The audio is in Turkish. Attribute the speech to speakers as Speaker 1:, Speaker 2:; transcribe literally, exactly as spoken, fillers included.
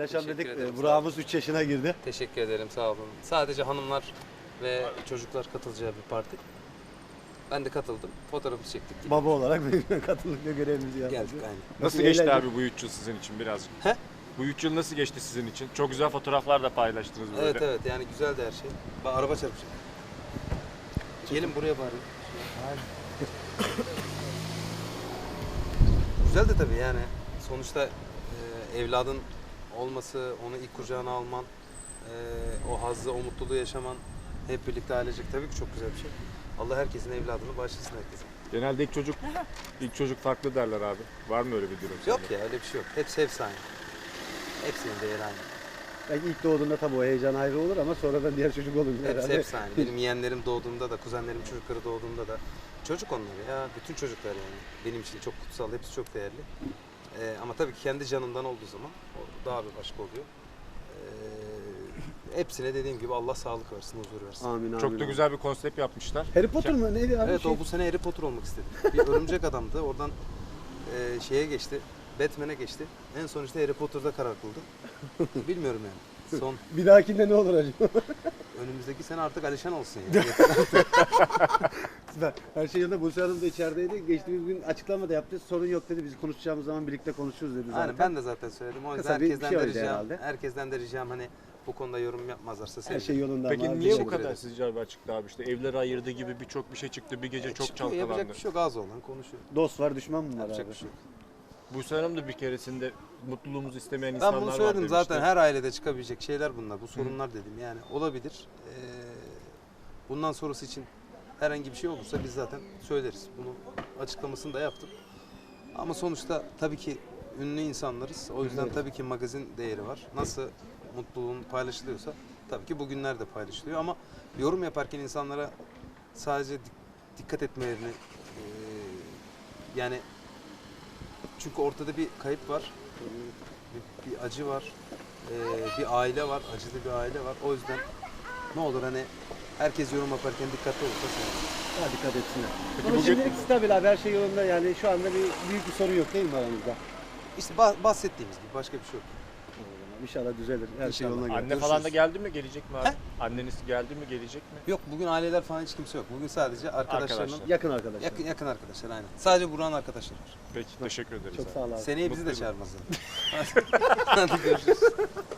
Speaker 1: paylaşalım
Speaker 2: Teşekkür
Speaker 1: dedik.
Speaker 2: ederim,
Speaker 1: Ee,
Speaker 2: sağ
Speaker 1: Burak'ımız üç yaşına girdi.
Speaker 2: Teşekkür ederim, sağ olun. Sadece hanımlar ve çocuklar katılacağı bir parti. Ben de katıldım. Fotoğrafımızı çektik. gittik.
Speaker 1: Baba olarak katılımda görevimizi yaptık.
Speaker 2: Geldik aynen.
Speaker 3: Nasıl
Speaker 1: Bir
Speaker 3: geçti
Speaker 1: eğlence.
Speaker 3: abi bu üç yıl sizin için birazcık?
Speaker 2: He?
Speaker 3: Bu üç yıl nasıl geçti sizin için? Çok güzel fotoğraflar da paylaştınız böyle.
Speaker 2: Evet evet, yani güzeldi her şey. Bak, araba çarpacak. Gelin buraya bari. Güzel de tabii yani. Sonuçta e, evladın olması, onu ilk kucağına alman, e, o hazzı, o mutluluğu yaşaman hep birlikte ailecek tabii ki çok güzel bir şey. Allah herkesin evladını bağışlasın herkese.
Speaker 3: Genelde ilk çocuk ilk çocuk farklı derler abi. Var mı öyle bir durum?
Speaker 2: Yok
Speaker 3: sende?
Speaker 2: ya, öyle bir şey yok. Hepsi hepsi aynı. Hepsinin değeri aynı.
Speaker 1: Belki ilk doğduğunda tabii o heyecan ayrı olur ama sonradan diğer çocuk olunca
Speaker 2: Hepsi
Speaker 1: herhalde.
Speaker 2: hepsi aynı. Benim yeğenlerim doğduğunda da, kuzenlerim çocukları doğduğunda da çocuk onlar ya. Bütün çocuklar yani. Benim için çok kutsal, hepsi çok değerli. Ee, ama tabii ki kendi canından olduğu zaman o daha bir başka oluyor. Ee, hepsine dediğim gibi Allah sağlık versin, huzur versin.
Speaker 1: Amin amin.
Speaker 3: Çok da
Speaker 1: amin.
Speaker 3: güzel bir konsept yapmışlar.
Speaker 1: Harry Potter mı? Neydi abi?
Speaker 2: Evet,
Speaker 1: Şey-
Speaker 2: o bu sene Harry Potter olmak istedi. Bir örümcek adamdı. Oradan e, şeye geçti. Batman'e geçti. En son işte Harry Potter'da karar kıldı. Bilmiyorum yani. Son
Speaker 1: Bir dahakinde ne olur acaba?
Speaker 2: önümüzdeki sene artık Alişan olsun yani.
Speaker 1: Süper. Her şey yolunda. Buse Hanım da içerideydi. Geçtiğimiz gün açıklama da yaptı. Sorun yok dedi. Biz konuşacağımız zaman birlikte konuşuruz dedi zaten.
Speaker 2: Aynen, ben de zaten söyledim. O yüzden
Speaker 1: Kısa bir
Speaker 2: herkesten
Speaker 1: şey
Speaker 2: de
Speaker 1: oldu
Speaker 2: ricam,
Speaker 1: herhalde.
Speaker 2: herkesten de ricam hani bu konuda yorum yapmazlarsa
Speaker 1: Her
Speaker 2: sevinirim.
Speaker 1: şey yolunda
Speaker 3: Peki
Speaker 1: ama.
Speaker 3: niye bu
Speaker 2: teşekkür
Speaker 3: kadar
Speaker 2: ederim.
Speaker 3: sizce abi açıktı abi? İşte evleri ayırdı gibi birçok bir şey çıktı. Bir gece
Speaker 2: E,
Speaker 3: çok
Speaker 2: çıkıyor,
Speaker 3: çalkalandı.
Speaker 2: yapacak bir şey yok, ağzı olan konuşuyor.
Speaker 1: Dost var, düşman mı var
Speaker 2: Yapacak
Speaker 1: abi?
Speaker 2: bir şey yok.
Speaker 3: Buse Hanım da bir keresinde mutluluğumuzu istemeyen
Speaker 2: Ben
Speaker 3: insanlar
Speaker 2: bunu
Speaker 3: var
Speaker 2: söyledim
Speaker 3: demişti.
Speaker 2: zaten, her ailede çıkabilecek şeyler bunlar. Bu sorunlar dedim yani olabilir. Ee, bundan sonrası için herhangi bir şey olursa biz zaten söyleriz. Bunu açıklamasını da yaptım. Ama sonuçta tabii ki ünlü insanlarız. O yüzden tabii ki magazin değeri var. Nasıl mutluluğun paylaşılıyorsa tabii ki bugünler de paylaşılıyor. Ama yorum yaparken insanlara sadece dik- dikkat etmelerini ee, yani çünkü ortada bir kayıp var. Bir, bir acı var. Ee, bir aile var. Acılı bir aile var. O yüzden ne olur hani herkes yorum yaparken dikkatli olursa sevinirim.
Speaker 1: Daha dikkat etsinler.
Speaker 3: Peki
Speaker 1: Ama
Speaker 3: bugün-
Speaker 1: şimdilik stabil abi. Her şey yolunda yani. Şu anda bir büyük bir sorun yok değil mi aramızda?
Speaker 2: İşte bah- bahsettiğimiz gibi başka bir şey yok.
Speaker 1: İnşallah düzelir. Her şey
Speaker 2: İnşallah.
Speaker 1: yoluna girer.
Speaker 3: Anne falan da geldi mi? Gelecek mi abi?
Speaker 2: He?
Speaker 3: Anneniz geldi mi? Gelecek mi?
Speaker 2: Yok, bugün aileler falan hiç kimse yok. Bugün sadece arkadaşlarının
Speaker 3: Arkadaşlar.
Speaker 1: Yakın arkadaşlar.
Speaker 2: yakın yakın arkadaşlar aynen. Sadece Burak'ın arkadaşları var.
Speaker 3: Peki teşekkür ederiz
Speaker 1: Çok
Speaker 3: abi.
Speaker 1: sağ ol abi.
Speaker 2: Seneye bizi de
Speaker 3: Mutluyum.
Speaker 2: çağırmazlar. Hadi görüşürüz.